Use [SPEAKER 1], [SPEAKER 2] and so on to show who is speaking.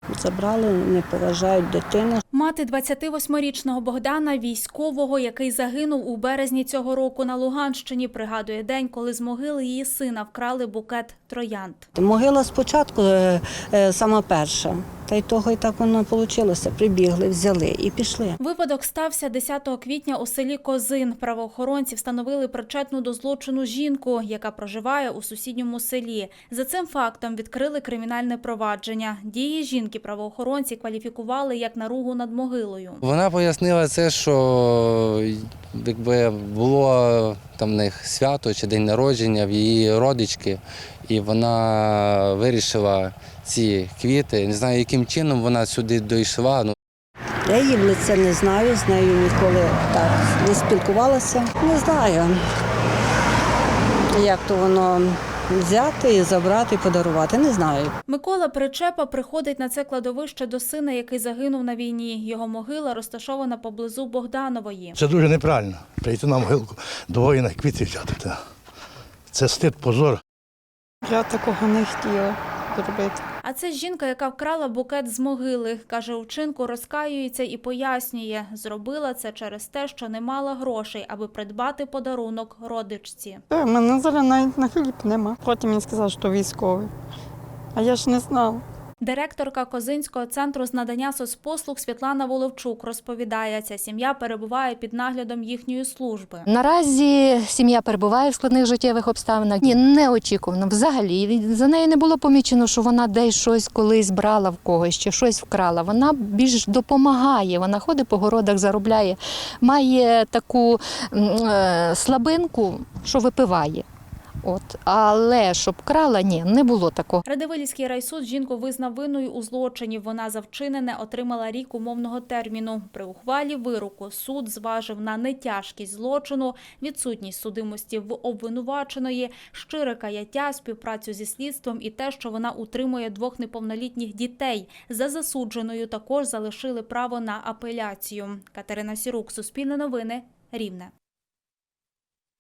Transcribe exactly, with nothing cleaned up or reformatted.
[SPEAKER 1] Забрали, не поважають дитину.
[SPEAKER 2] Мати двадцятивосьмирічного Богдана, військового, який загинув у березні цього року на Луганщині, пригадує день, коли з могили її сина вкрали букет троянд.
[SPEAKER 1] Могила спочатку е, е, сама перша, та й того і так воно вийшло. Прибігли, взяли і пішли.
[SPEAKER 2] Випадок стався десятого квітня у селі Козин. Правоохоронці встановили причетну до злочину жінку, яка проживає у сусідньому селі. За цим фактом відкрили кримінальне провадження. Дії жінки правоохоронці кваліфікували як наругу над могилою.
[SPEAKER 3] Вона пояснила це, що якби було там в них свято чи день народження в її родички, і вона вирішила ці квіти. Не знаю, яким чином вона сюди дійшла.
[SPEAKER 1] Я її в лице не знаю, з нею ніколи так не спілкувалася. Не знаю, як то воно взяти і забрати, і подарувати, не знаю.
[SPEAKER 2] Микола Причепа приходить на це кладовище до сина, який загинув на війні. Його могила розташована поблизу Богданової.
[SPEAKER 4] Це дуже неправильно, прийти на могилку до воїна квіти взяти. Це стид, позор.
[SPEAKER 5] Я такого не хотіла зробити.
[SPEAKER 2] А це жінка, яка вкрала букет з могили. Каже, у вчинку розкаюється і пояснює. Зробила це через те, що не мала грошей, аби придбати подарунок родичці.
[SPEAKER 5] У мене зараз навіть на хліб нема. Потім він сказав, що військовий. А я ж не знала.
[SPEAKER 2] Директорка Козинського центру з надання соцпослуг Світлана Воловчук розповідає, ця сім'я перебуває під наглядом їхньої служби.
[SPEAKER 6] Наразі сім'я перебуває в складних життєвих обставинах. Ні, неочікувано взагалі. За нею не було помічено, що вона десь щось колись брала в когось, чи щось вкрала. Вона більш допомагає, вона ходить по городах, заробляє, має таку е, слабинку, що випиває. От, але щоб крала, ні, не було такого.
[SPEAKER 2] Радивилівський райсуд жінку визнав винною у злочині. Вона за вчинене отримала рік умовного терміну. При ухвалі вироку суд зважив на нетяжкість злочину, відсутність судимості в обвинуваченої, щире каяття, співпрацю зі слідством і те, що вона утримує двох неповнолітніх дітей. За засудженою також залишили право на апеляцію. Катерина Сірук, Суспільне новини, Рівне.